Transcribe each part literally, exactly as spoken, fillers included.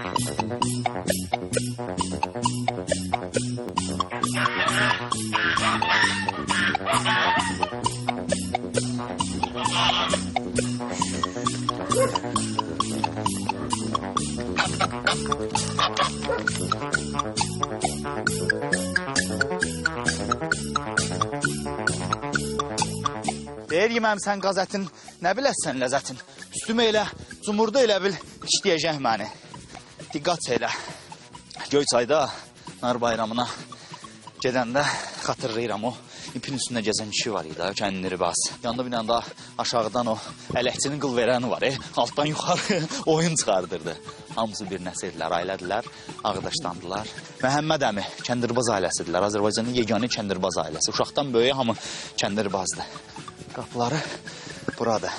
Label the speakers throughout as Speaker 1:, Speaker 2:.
Speaker 1: Deyir yeməmsən qaz ətin, nə biləsən ləzzətin. Üstümə elə, cumurda elə bil, işləyəcək məni. Diqqət elə. Göyçayda, nar bayramına gedəndə xatırlayıram o. İpin üstündə gəzən kişi var idi, kəndiri bas. Yanında bir da aşağıdan o ələkçinin qıl verəni var, e? Altdan yuxarı oyun çıxardırdı. Hamısı bir nəsildirlər, ailədilər, ağdaşdandılar. Məhəmməd əmi kəndirbaz ailəsidirlər, Azərbaycanın yeganə kəndirbaz ailəsi. Uşaqdan böyüyə hamı kəndirbazdır. Qapıları burada.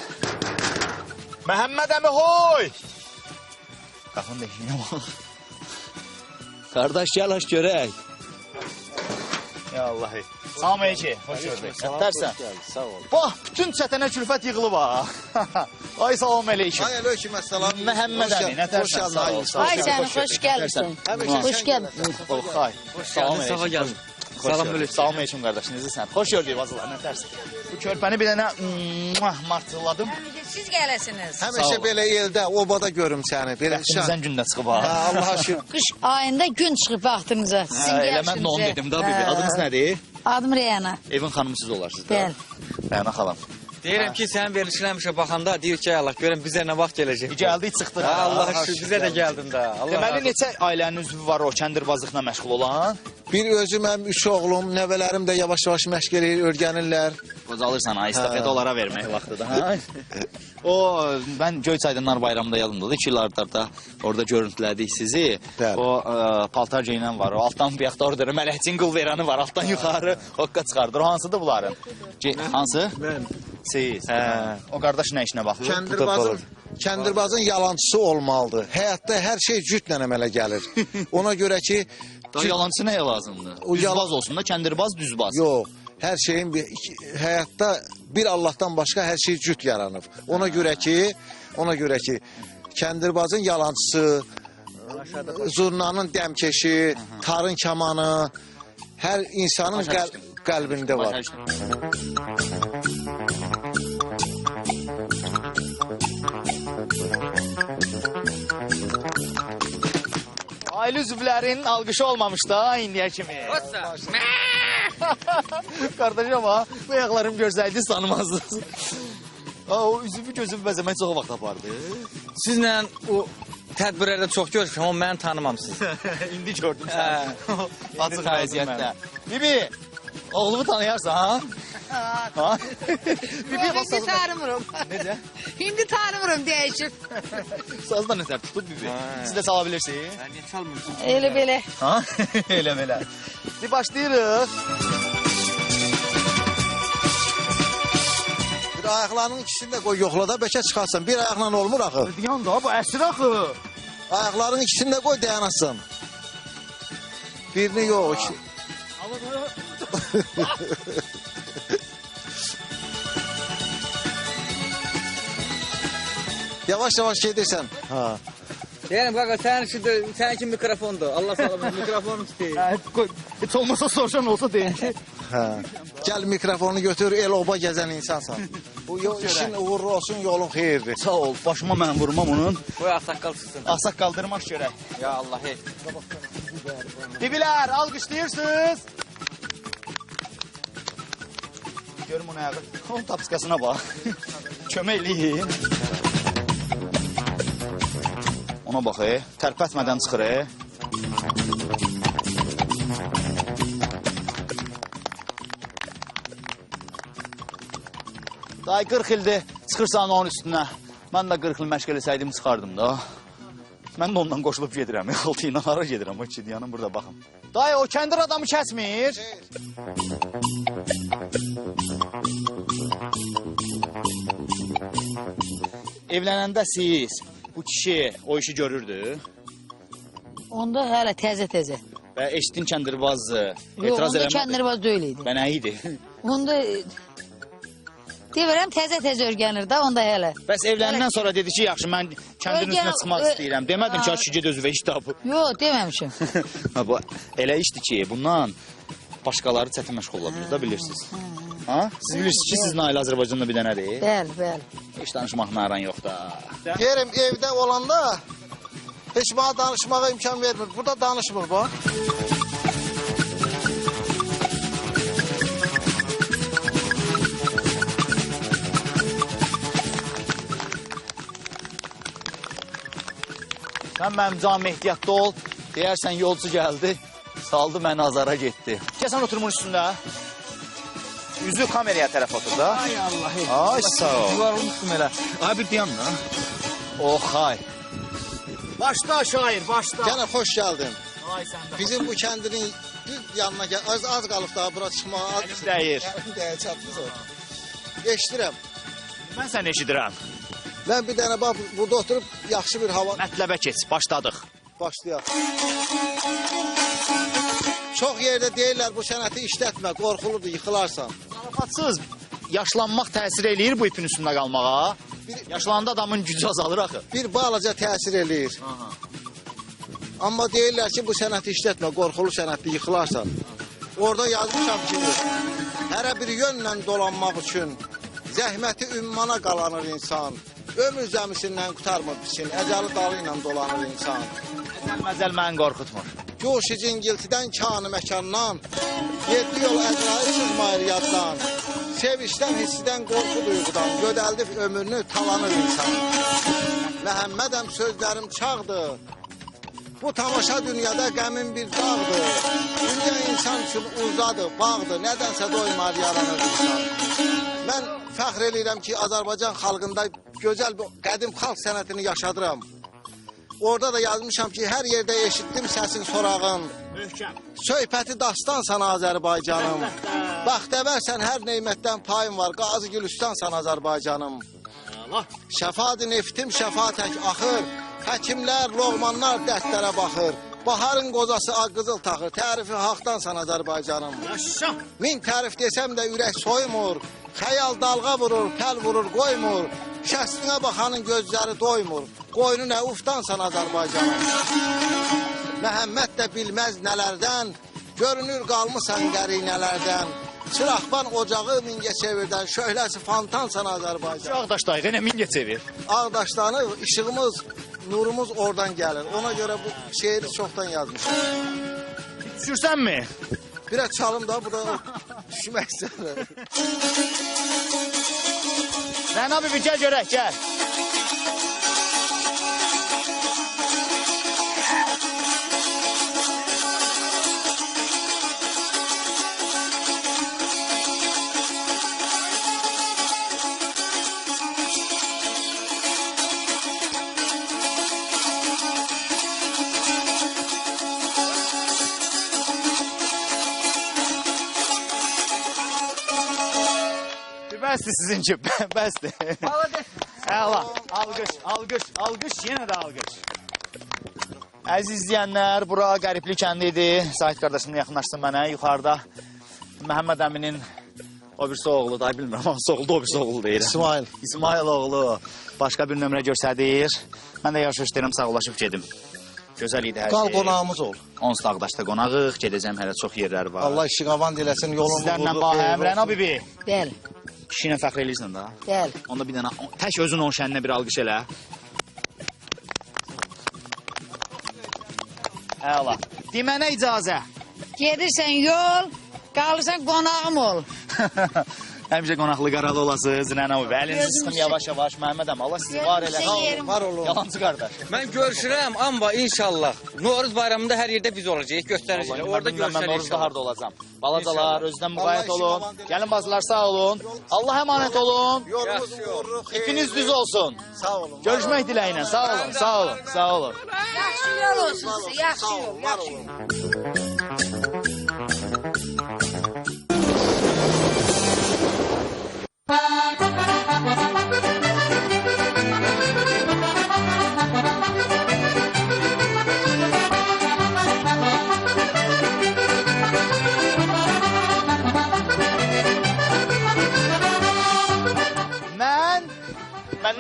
Speaker 1: Məhəmməd əmi, hoy! Qapının deşiyinə bax. Qardaş, gəl aç görək. Ya Allahi. Salam əleyki, hoş gördük. Nətərsən?
Speaker 2: Sağ ol.
Speaker 1: Bax, bütün çətənə külfət yığılıb ha. Ay salam əleykim.
Speaker 2: Ay əleykim, əssalam.
Speaker 1: Məhəmməd əmi, nətərsən? Sağ ol.
Speaker 3: Ay canım, xoş gəlmişsin. Xoş gəlmişsin.
Speaker 1: Oh, ay. Salam əleykim. Sağa gəldin. Salam əleykum. Salam əleykum qardaş, necəsən? Xoş gördük vazılar, nətərsən? Bu körpəni bir dənə martıladım.
Speaker 3: Siz gələsiniz.
Speaker 2: Həmişə belə eldə, obada görüm səni.
Speaker 1: Bəxtimizdən gündə çıxıb ha.
Speaker 2: Allaha şükür.
Speaker 3: Qış ayında gün çıxıb vaxtımıza.
Speaker 1: Elə mən də onu dedim da bibi. Adınız nədir?
Speaker 3: Adım Reyana.
Speaker 1: Evin xanımı siz olarsınız da.
Speaker 3: Bəli.
Speaker 1: Reyana xalam.
Speaker 4: Deyirəm ki, sənin verilişinə həmişə baxanda deyir ki, Allah, görəm bizə nə vaxt gələcək.
Speaker 1: Gəldik, çıxdıq.
Speaker 4: Allah şükür, bizə də gəldin də.
Speaker 1: Deməli, neçə ailənin üzvü var o kəndirbazlıqla məşğul olan?
Speaker 2: Bir özüm, həm üç oğlum, nəvələrim də yavaş-yavaş məşq eləyir, öyrənirlər.
Speaker 1: Qocalırsan ha, istafet onlara vermək vaxtıdır ha. O, mən Göyçayda nar bayramında yadımdadır. İki il ardarda orada görüntülədik sizi.
Speaker 2: Bəli.
Speaker 1: O, ə, paltar geyinən var. O, altdan bir yaxda orada mələkçin qıl verəni var. Altdan yuxarı hoqqa çıxardır. O, hansıdır bunların? Ge hansı? Mən. Siz. Hə. O qardaş nə işinə baxır?
Speaker 2: Kəndirbazın, kəndirbazın yalancısı olmalıdır. Həyatda hər şey cütlə əmələ gəlir. Ona görə ki...
Speaker 1: Daha yalancısı nəyə lazımdır?
Speaker 2: O
Speaker 1: Düzbaz
Speaker 2: yalan...
Speaker 1: olsun da, kəndirbaz düzbaz.
Speaker 2: Yox, hər şeyin bir, iki, həyatda bir Allahdan başqa hər şey cüt yaranıb. Ona görə ki, ona görə ki, kəndirbazın yalancısı, zurnanın dəmkeşi, tarın kamanı, hər insanın qəl qəlbində var.
Speaker 1: Ailə üzvlərinin alqışı olmamış da indiyə kimi. Qardaşım ha, bu ayaqlarım görsəydiniz tanımazdınız. O üzümü gözümü bəzəmək çox vaxt apardı.
Speaker 4: Sizlə o tədbirlərdə çox görüşmüşəm, amma məni tanımamsınız.
Speaker 1: İndi gördüm sən. Açıq vəziyyətdə. Bibi, oğlumu tanıyarsan ha? Ha? Bibi,
Speaker 3: İndi tanımıram.
Speaker 1: Necə?
Speaker 3: İndi tanımıram, dəyişib.
Speaker 1: Sazda nətər tutub Bibi? Siz də sala bilirsiniz?
Speaker 4: Mən niyə çalmırsın?
Speaker 3: Elə belə.
Speaker 1: Ha? Elə belə. Bir başlayırıq.
Speaker 2: Bir ayaqlarının ikisini də qoy yoxla da bəlkə çıxarsan. Bir ayaqla olmur axı.
Speaker 1: Yan da bu əsir axı.
Speaker 2: Ayaqlarının ikisini də qoy dayanasın. Birini yox. Iki... Yavaş-yavaş gedirsən. Ha.
Speaker 4: Deyirəm, qaqa, sənin üçün də, sənin kimi mikrofondur. Allah sağlamın, mikrofonu tutayım.
Speaker 1: Hə, heç olmasa soruşan olsa deyin ki.
Speaker 2: Hə. Gəl mikrofonu götür, el oba gəzən insansan. Bu işin uğurlu olsun, yolun xeyirdir.
Speaker 1: Sağ ol, başıma mən vurmam onun.
Speaker 4: Qoy ağsaqqal çıxsın.
Speaker 1: Ağsaqqal qaldırmaq görək.
Speaker 4: Ya Allah, hey.
Speaker 1: Bibilər, alqışlayırsınız. Görüm onu ayağı. Onun tapıskasına bax. Köməkliyin. Ona bax, e. Tərpətmədən çıxır, e. Day qırx ildir çıxırsan onun üstünə. Mən də qırx il məşq eləsəydim çıxardım da. Mən də ondan qoşulub gedirəm. Altı ilə hara gedirəm. O iki yanım burada baxın. Day o kəndir adamı kəsmir. Evlənəndə siz bu kişi o işi görürdü.
Speaker 3: Onda hələ təzə-təzə.
Speaker 1: Və eşitdin kəndirbazı.
Speaker 3: Yox, onda kəndirbaz deyil idi.
Speaker 1: Və nə idi?
Speaker 3: Onda Deyirəm təzə-təzə örgənir də onda hələ.
Speaker 1: Bəs evləndən sonra dedi ki, yaxşı mən kəndin
Speaker 3: Örgən-
Speaker 1: üstünə çıxmaq
Speaker 3: ö-
Speaker 1: istəyirəm. Demədim ki, açı ged özünə iş tapıb.
Speaker 3: Yox, deməmişim.
Speaker 1: Ha, bu elə işdir ki, bundan başqaları çətin məşğul ola bilir, da bilirsiniz. Ha? Siz bilirsiniz ki, sizin ailə Azərbaycanda bir dənədir.
Speaker 3: Bəli, bəli.
Speaker 1: Heç danışmaqla aran yox da.
Speaker 2: Yerim evdə olanda heç bana danışmağa imkan vermir. Burada danışmır bu.
Speaker 1: Sən mənim canım ehtiyatda ol. Deyərsən yolcu gəldi, saldı məni azara getdi. Gəl sən oturmun üstündə. Üzü kameraya tərəf otur da.
Speaker 4: Ay Allah.
Speaker 1: Ay sağ ol.
Speaker 4: Yuvarılmışdım elə.
Speaker 1: Ay bir dayan da. Oh hay. Başla şair, başla.
Speaker 2: Gene hoş geldin.
Speaker 1: Ay sən də.
Speaker 2: Bizim bu kəndinin bir yanına gel. Az, az qalıb daha bura çıxmağa. Az
Speaker 1: Əlim dəyir.
Speaker 2: Əlim dəyir, çatdınız o. Eşidirəm.
Speaker 1: Mən səni eşidirəm.
Speaker 2: Mən bir dənə bax burada oturub yaxşı bir hava
Speaker 1: Mətləbə keç, başladıq.
Speaker 2: başlayaq. Çox yerdə deyirlər bu sənəti işlətmə, qorxuludur, yıxılarsan.
Speaker 1: Zarafatsız yaşlanmaq təsir eləyir bu ipin üstündə qalmağa. Yaşlananda adamın gücü azalır axı.
Speaker 2: Bir balaca təsir eləyir.
Speaker 1: Aha.
Speaker 2: Amma deyirlər ki, bu sənəti işlətmə, qorxulu sənətli yıxılarsan. Orada yazmışam ki, hərə bir yönlə dolanmaq üçün zəhməti ümmana qalanır insan. Ömür zəmisindən qutarmır biçin, əcəli dalı ilə dolanır insan.
Speaker 1: Məzəl məni qorxutmur.
Speaker 2: Coşu cingiltidən, kanı məkandan, yeddi yol əzrail sızmayır yaddan. Sevişdən, hissidən, qorxu duyğudan, gödəldib ömrünü talanır insan. Məhəmmədəm sözlərim çağdır, bu tamaşa dünyada qəmin bir dağdır. Dünya insan üçün uzadır, bağdır, nədənsə doymar yaranır insan. Mən fəxr edirəm ki, Azərbaycan xalqında gözəl bir qədim xalq sənətini yaşadıram. Orada da yazmışam ki, hər yerdə eşitdim səsin sorağın.
Speaker 1: Möhkəm.
Speaker 2: Söhbəti dastansan Azərbaycanım. Baxtəvərsən hər neymətdən payım var. Qazi Gülüstansan Azərbaycanım.
Speaker 1: Allah.
Speaker 2: Şəfadı neftim şəfa tək axır. Həkimlər, loğmanlar dərdlərə baxır. Baharın qozası ağ qızıl taxır. Tərifi haqdansan Azərbaycanım.
Speaker 1: Yaşa.
Speaker 2: Min tərif desəm də ürək soymur. Xəyal dalğa vurur, təl vurur, qoymur. Şəstinə baxanın gözləri doymur. Qoynu nə ufdansan Azərbaycanım. Məhəmməd də bilməz nələrdən, görünür qalmısan qərinələrdən. Çıraqban ocağı Mingəçevirdən, şöhləsi fantansan Azərbaycan.
Speaker 1: Ağdaşdayıq, yenə mingə çevir.
Speaker 2: Ağdaşdanı işığımız, nurumuz oradan gəlir. Ona görə bu şeiri çoxdan yazmışam.
Speaker 1: Düşürsənmi?
Speaker 2: Biraz çalım da, bu da düşmək istəyir.
Speaker 1: Rəna bibi, gəl görək, gəl. Bəsdir sizinki, bəsdir. Əla, alqış, alqış, alqış, yenə də alqış. Əziz izləyənlər, bura Qəribli kəndi idi. Sahid qardaşımla yaxınlaşsın mənə. Yuxarıda Məhəmməd əminin o birisi oğlu, da bilmirəm, hansı oğlu, o birisi oğlu deyir.
Speaker 2: İsmail.
Speaker 1: İsmail oğlu başqa bir nömrə göstərir. Mən də yaxşı istəyirəm, sağlaşıb gedim. Gözəl idi hər şey.
Speaker 2: Qal qonağımız ol.
Speaker 1: Onsuz da Ağdaşda qonağıq, gedəcəm, hələ çox yerlər var.
Speaker 2: Allah işi qavan diləsin, yolunu
Speaker 1: Sizlərlə bahəm, Rəna bibi.
Speaker 3: Bəli,
Speaker 1: Kişi ilə fəxr eləyirsən da.
Speaker 3: bəli.
Speaker 1: Onda bir dənə, tək özün onun şəninə bir alqış elə. Əla. Demənə icazə.
Speaker 3: Gedirsən yol, qalırsan qonağım ol.
Speaker 1: Həmişə qonaqlı qaralı olasınız, Rəna bibi. Əlinizi
Speaker 3: Gözüm
Speaker 1: sıxın
Speaker 3: sıx-
Speaker 1: yavaş-yavaş, Məhəmmədəm. Allah sizi var elə.
Speaker 3: Gözüm yerim.
Speaker 2: Var olun.
Speaker 1: Yalancı qardaş.
Speaker 4: Mən görüşürəm, amma inşallah Novruz bayramında hər yerdə biz olacağıq, göstərəcəyik. Orada
Speaker 1: Mən
Speaker 4: görüşərik
Speaker 1: Noruzda
Speaker 4: inşallah.
Speaker 1: harda olacam. Balacalar,
Speaker 4: İnşallah.
Speaker 1: özdən
Speaker 2: Allah
Speaker 1: müqayət
Speaker 2: işi
Speaker 1: olun.
Speaker 2: qalan deyil.
Speaker 1: Gəlin bazılar, sağ olun. Allah əmanət olun.
Speaker 2: Yolumuzu
Speaker 4: Yaxşı yol.
Speaker 2: vururuq.
Speaker 1: İpiniz düz olsun.
Speaker 2: Sağ olun.
Speaker 1: Görüşmək diləyinə. Sağ olun, sağ olun, sağ olun.
Speaker 3: Yaxşı yol olsun sizə, yaxşı
Speaker 2: Sağ
Speaker 3: yol,
Speaker 2: olun, var
Speaker 3: yaxşı
Speaker 2: olun.
Speaker 3: yol.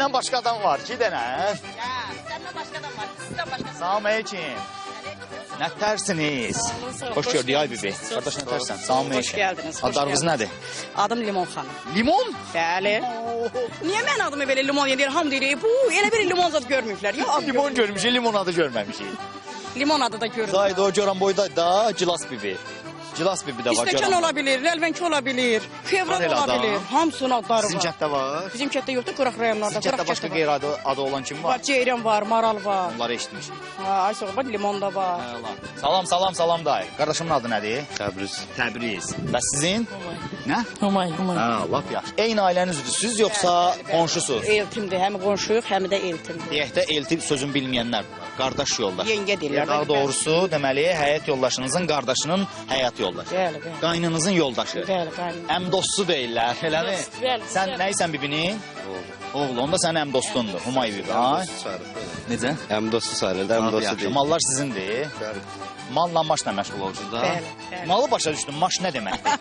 Speaker 1: Səndən başqa adam var, iki dənə.
Speaker 5: Ya, senden başka adam var. Sizden başka.
Speaker 1: Salam aleyküm. Nə tərsiniz? Xoş gördük ay bibi. Qardaş nə tərsən? Salam aleyküm.
Speaker 5: Hoş geldiniz, hoş
Speaker 1: Adlarınız
Speaker 5: geldiniz.
Speaker 1: nədir?
Speaker 5: Adım Limon Hanım.
Speaker 1: Limon?
Speaker 5: Bəli. Niye ben adımı böyle limon yedir? Ham deyir. Bu elə bir limon zad görməyiblər. Ya ad
Speaker 1: Limon görmüşük, limon adı görməmişik.
Speaker 5: limon adı da görürüm.
Speaker 1: Zayda o göran boyda da Cilas bibi. Cilas bibi də var.
Speaker 5: İstəkan
Speaker 1: göran
Speaker 5: ola bilir, ləlvənki ola bilir, fevral
Speaker 1: Var elə
Speaker 5: ola
Speaker 1: adam.
Speaker 5: bilir. Hamısının adları
Speaker 1: Sizin
Speaker 5: var.
Speaker 1: kətdə var.
Speaker 5: Bizim kətdə yoxdur, qıraq rayonlarda.
Speaker 1: Sizin kətdə
Speaker 5: qıraq
Speaker 1: başqa
Speaker 5: kətdə
Speaker 1: qeyri
Speaker 5: var.
Speaker 1: adı, adı olan kim var?
Speaker 5: Var, ceyran var, maral var.
Speaker 1: Onları eşitmişik.
Speaker 5: Ha, ay soğuk var, limon da var.
Speaker 1: Allah. Salam, salam, salam dayı. Qardaşımın adı nədir?
Speaker 2: Təbriz.
Speaker 1: Təbriz. Və sizin? Nə?
Speaker 6: Humay, humay.
Speaker 1: Ha, lap yaxşı. Eyni ailəniz üzvüsüz yoxsa qonşusuz?
Speaker 5: Eltimdir, həm qonşuyuq, həm də eltimdir.
Speaker 1: Deyək də elti sözün bilməyənlər var. Qardaş yoldaş.
Speaker 5: Yengə deyirlər.
Speaker 1: Daha doğrusu deməli həyat yoldaşınızın qardaşının həyat yoldaşı.
Speaker 5: Bəli, bəli.
Speaker 1: Qaynınızın yoldaşı.
Speaker 5: Bəli, qaynım.
Speaker 1: Əm dostu deyirlər, eləmi?
Speaker 6: Dost, bəli,
Speaker 1: Sən
Speaker 6: bəli.
Speaker 1: nəysən bibinin? Oğlu. Onda sənin əm dostundur. Humay bibi. Ay. Necə?
Speaker 2: Həm dostu sayılır, həm
Speaker 1: Abi,
Speaker 2: dostu
Speaker 1: yaxşı.
Speaker 2: deyil.
Speaker 1: Mallar sizindir.
Speaker 2: Bəli.
Speaker 1: Malla maşla məşğul olursunuz da.
Speaker 5: Bəli, bəli.
Speaker 1: Malı başa düşdüm. Maş nə deməkdir?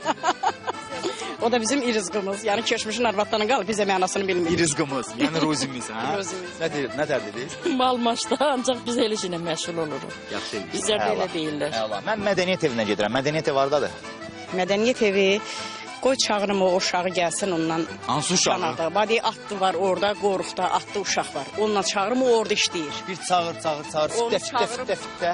Speaker 5: O da bizim irizqimiz. Yəni keçmişin arvadlarına qalıb bizə mənasını bilmirik.
Speaker 1: İrizqimiz, yəni ruzimiz, hə?
Speaker 5: Ruzimiz.
Speaker 1: Nə deyir, nə tər dediniz?
Speaker 6: Mal maçda ancaq biz elə işlə məşğul oluruq.
Speaker 1: Yaxşı eləyirsən.
Speaker 6: Bizlər də elə
Speaker 1: Əla.
Speaker 6: deyirlər.
Speaker 1: Əla. Mən mədəniyyət evinə gedirəm. Mədəniyyət evi hardadır?
Speaker 5: Mədəniyyət evi qoy çağırım o uşağı gəlsin ondan.
Speaker 1: Hansı uşağı?
Speaker 5: Şanada. Badi atlı var orada, qoruqda atlı uşaq var. Onunla çağırım o orada işləyir.
Speaker 1: Bir çağır, çağır, çağır.
Speaker 5: Onu
Speaker 1: Fitə, fitə,
Speaker 5: çağırıb-
Speaker 1: fitə, fitə.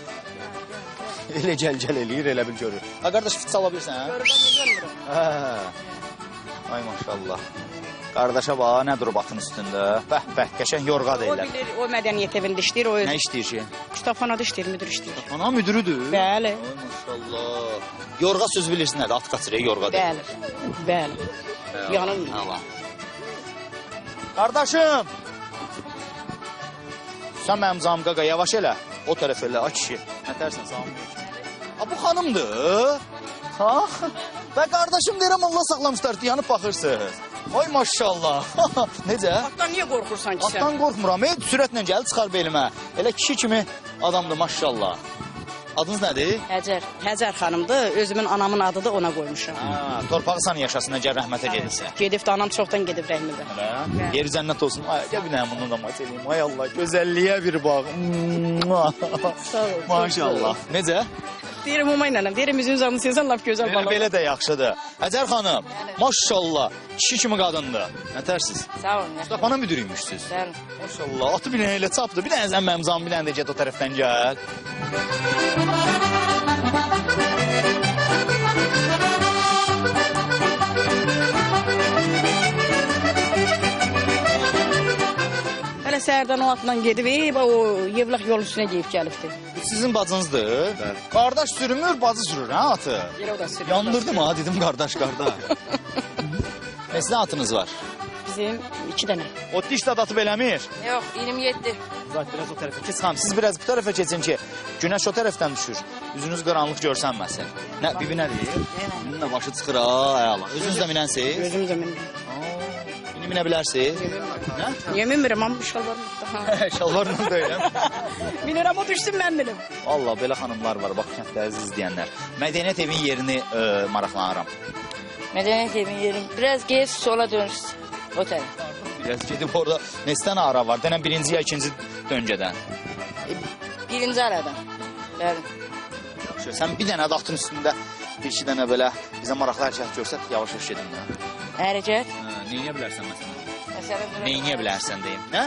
Speaker 1: Elə gəl-gəl eləyir, elə bil görür. Ha, qardaş fit sala bilirsən, hə?
Speaker 5: Görürəm.
Speaker 1: Hə. Ay maşallah. Qardaşa bax, nə durub atın üstündə. Bəh, bəh, qəşəng yorğa
Speaker 5: O
Speaker 1: deyirlər.
Speaker 5: bilir, o mədəniyyət evində işləyir, o öz
Speaker 1: Nə işləyir ki?
Speaker 5: kitabxanada işləyir, müdür işləyir.
Speaker 1: Ana müdürüdür.
Speaker 5: Bəli.
Speaker 1: Ay maşallah. Yorğa söz bilirsin nədir? At qaçırır, yorğa deyir.
Speaker 5: Bəli. Bəli. Yanılmır.
Speaker 1: Allah. Qardaşım. Sən mənim zamqaqa yavaş elə. O tərəf elə, ay kişi. Nə tərsən salam. Ha bu xanımdır. Ha? Və qardaşım deyirəm Allah saxlamışlar, yanıb baxırsınız. Ay maşallah. Necə?
Speaker 5: Atdan niyə qorxursan ki sən?
Speaker 1: Atdan qorxmuram. Ey, sürətlə gəl, çıxar belimə. Elə kişi kimi adamdır maşallah. Adınız nədir?
Speaker 5: Həcər. Həcər xanımdır. Özümün anamın adıdır, ona qoymuşam.
Speaker 1: Ha, torpağı sana yaşasın, əgər rəhmətə gedirsə.
Speaker 5: Gedib də anam çoxdan gedib rəhmətə.
Speaker 1: Hələ. Yeri cənnət olsun. Ay, gəl bir dənə bunu da maç eləyim. Ay Allah, gözəlliyə bir bax.
Speaker 5: Sağ ol.
Speaker 1: Maşallah. Necə?
Speaker 5: Deyirəm Humay nənəm, deyirəm üzünüz alın sizən lap gözəl
Speaker 1: Belə,
Speaker 5: bala.
Speaker 1: belə də yaxşıdır. Həcər xanım, maşallah, kişi kimi qadındır. Nə tərsiz?
Speaker 5: Sağ olun.
Speaker 1: Mustafa'nın müdürüymüşsünüz.
Speaker 5: Bəli.
Speaker 1: Maşallah, atı bir dənə elə çapdı. Bir dənə sən mənim zamı, bir dənə də get o tərəfdən gəl.
Speaker 5: Hələ səhərdən o atla gedib, ey, bax, o yevlaq yol üstünə geyib gəlibdi.
Speaker 1: Bu sizin bacınızdır.
Speaker 2: Bəli.
Speaker 1: Qardaş sürmür, bacı sürür, hə atı?
Speaker 5: Yerə o da sürüyor.
Speaker 1: Yandırdım ha, dedim qardaş, qardaş. Neçə atınız var?
Speaker 5: Bizim iki dənə.
Speaker 1: O diş də atıb eləmir.
Speaker 5: Yox, iyirmi yeddi.
Speaker 1: Uzaq biraz o tərəfə keç xanım. Siz biraz bu tərəfə keçin ki, günəş o tərəfdən düşür. Üzünüz qaranlıq görsənməsin. Nə, bibi nə deyir? Bunun da başı çıxır ha, ay Allah. Özünüz də minənsiz?
Speaker 5: Gözüm zəmin.
Speaker 1: İni minə bilərsiz? Nə?
Speaker 5: Niyə minmirəm, amma şalvarım da.
Speaker 1: Şalvarla da elə.
Speaker 5: Minirəm, o düşsün, mən minim.
Speaker 1: Allah, belə xanımlar var, bax kənddə əziz izləyənlər. Mədəniyyət evin yerini ə, maraqlanıram.
Speaker 6: Mədəniyyət evin yerim. Biraz gez, sola dönürsün. O tərəf.
Speaker 1: Biraz gedib orada neçə dənə ara var? Denən birinci ya ikinci döngədən.
Speaker 6: Birinci aradan. Bəli.
Speaker 1: Yaxşı, sən bir dənə də atın üstündə bir iki dənə belə bizə maraqlı hərəkət görsət, yavaş-yavaş gedin də.
Speaker 6: Hərəkət.
Speaker 1: Hə, neyniyə bilərsən məsələn?
Speaker 6: Məsələn,
Speaker 1: Neyniyə bilərsən deyim, nə?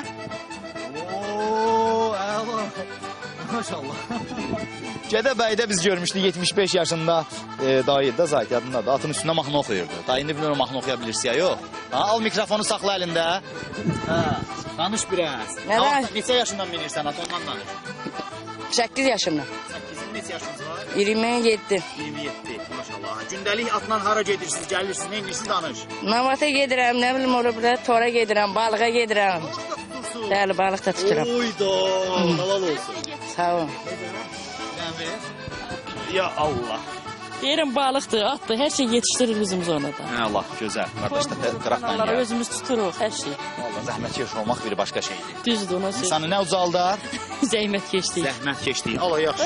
Speaker 1: Oo, əla. Maşallah. Gədəbəydə biz görmüşdük yetmiş beş yaşında e, dayı da zayt yadındadır. Atın üstündə mahnı oxuyurdu. Dayı indi bilmirəm mahnı oxuya bilirsə ya yox. Ha, al mikrofonu saxla əlində. Hə, danış biraz.
Speaker 6: Nə
Speaker 1: Ha,
Speaker 6: danış?
Speaker 1: Neçə yaşından bilirsən at ondan danış.
Speaker 6: səkkiz yaşımda.
Speaker 1: Səkkizin neçə yaşınız var?
Speaker 6: iyirmi yeddi.
Speaker 1: iyirmi yeddi. Maşallah. Gündəlik atla hara gedirsiniz, gəlirsiniz, nə edirsiniz danış.
Speaker 6: Navata gedirəm, nə bilim orada burada tora gedirəm, balığa gedirəm.
Speaker 1: Tutursun.
Speaker 6: Bəli, balıq da tuturam.
Speaker 1: Oyda, halal olsun.
Speaker 6: Sağ olun.
Speaker 1: Ya Allah.
Speaker 6: Deyirəm balıqdır, atdır, hər şey yetişdirir bizim zonada.
Speaker 1: Hə Allah, gözəl. Qardaş da qıraqdan
Speaker 6: Onları
Speaker 1: gəl.
Speaker 6: özümüz tuturuq, hər şey.
Speaker 1: Vallahi zəhmət keş olmaq bir başqa şeydir.
Speaker 6: Düzdür, ona söz.
Speaker 1: İnsanı nə ucaldar?
Speaker 6: Zəhmət keçdik.
Speaker 1: Zəhmət keçdi. Allah yaxşı.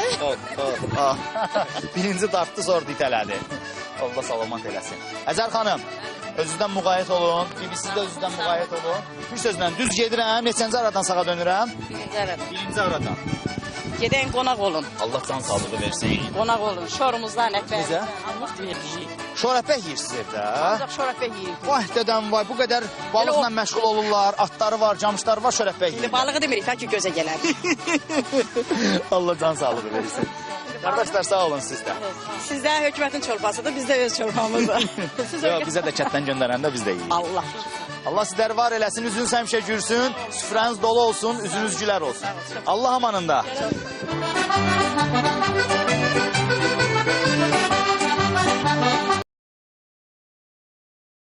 Speaker 1: Birinci dartdı, sonra ditələdi. Allah salamat eləsin. Əzər xanım, Özünüzdən müğayət olun. Bir siz də özünüzdən müğayət olun. Bir sözlə düz gedirəm. Neçənci aradan sağa dönürəm?
Speaker 6: Birinci arada.
Speaker 1: Birinci aradan.
Speaker 5: Gedən qonaq olun.
Speaker 1: Allah can sağlığı versin.
Speaker 5: Qonaq olun. Şorumuzdan əkbər.
Speaker 1: Necə?
Speaker 5: Allah vermişik.
Speaker 1: Şorəpək yiyirsiniz evdə.
Speaker 5: Ancaq şorapə yeyirik.
Speaker 1: Vay dədəm vay, bu qədər balıqla məşğul olurlar. Atları var, camışları var, şorəpək
Speaker 5: İndi
Speaker 1: yiyirlər.
Speaker 5: balığı demirik, tək ki gözə gələr.
Speaker 1: Allah can sağlığı versin. Qardaşlar sağ olun siz də.
Speaker 5: Sizdə hökumətin çorbasıdır, bizdə öz çorbamızdır. Siz
Speaker 1: Yox,
Speaker 5: ölkə...
Speaker 1: bizə də çətdən göndərəndə biz də yeyirik.
Speaker 5: Allah.
Speaker 1: Allah sizləri var eləsin, üzünüz həmişə gülsün, süfrəniz dolu olsun, üzünüz gülər olsun. Allah amanında.